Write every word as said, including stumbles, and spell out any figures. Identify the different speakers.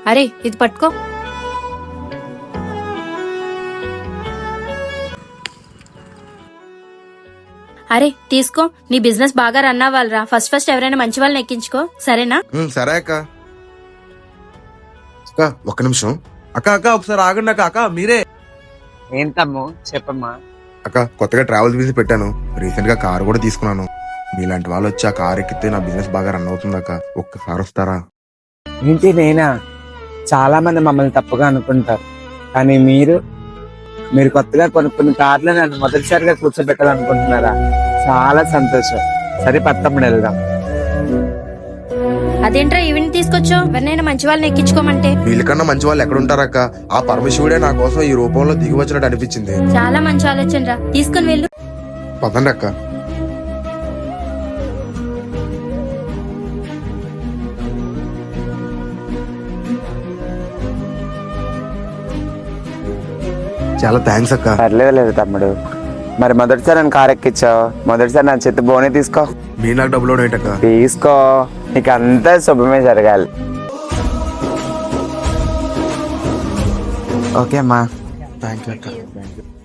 Speaker 1: అరే ఇది పట్టుకో. అరే తీసుకో, నీ బిజినెస్ బాగా రన్ అవ్వాలిరా. ఫస్ట్ ఫస్ట్ ఎవరైనా మంచి వాళ్ళని ఎక్కించుకో, సరేనా?
Speaker 2: సరే అక్క. అక్క ఒక్క నిమిషం.
Speaker 3: అక్క అక్క ఒకసారి ఆగండి అక్క. అక్క మీరే?
Speaker 4: ఏంటమ్ము చెప్పమ్మా.
Speaker 2: అక్క కొత్తగా ట్రావెల్ బిజినెస్ పెట్టాను. రీసెంట్ గా కార్ కూడా తీసుకున్నాను. మీలాంటి వాళ్ళు వచ్చి ఆ కార్ ఎక్కితే నా బిజినెస్ బాగా రన్ అవుతుంది అక్క. ఒక్కసారి వస్తారా?
Speaker 4: ఏంటి నేనా? చాలా మంది మమ్మల్ని తప్పుగా అనుకుంటారు, కానీ మీరు మీరు కొత్తగా కొనుక్కున్న కార్లు నన్ను మొదటిసారిగా కూర్చోబెట్టాలనుకుంటున్నారా? చాలా సంతోషం. సరే పత్తమ్మడు వెళ్దాం.
Speaker 1: అదేంట్రా ఈవెంట్ తీసుకొచ్చావు? ఎవరినైనా మంచి వాళ్ళని ఎక్కించుకోమంటే.
Speaker 2: వీళ్ళకన్నా మంచి వాళ్ళు ఎక్కడ ఉంటారక్క? ఆ పరమశివుడే నా కోసం ఈ రూపంలో దిగి వచ్చినట్టు అనిపించింది.
Speaker 1: చాలా మంచి ఆలోచన రా, తీసుకుని వెళ్ళు.
Speaker 2: పదండి అక్క. చాలా థ్యాంక్స్ అక్క.
Speaker 4: పర్లేదు లేదు తమ్ముడు. మరి మొదటిసారి నన్ను కారు ఎక్కించావు, మొదటిసారి నా చేతి బోనే తీసుకో.
Speaker 2: మీ నాకు డబ్బులు ఏంటక్క?
Speaker 4: తీసుకో, నీకు అంతా శుభమే జరగాలి. ఓకే అమ్మా.
Speaker 2: థ్యాంక్ యూ అక్క.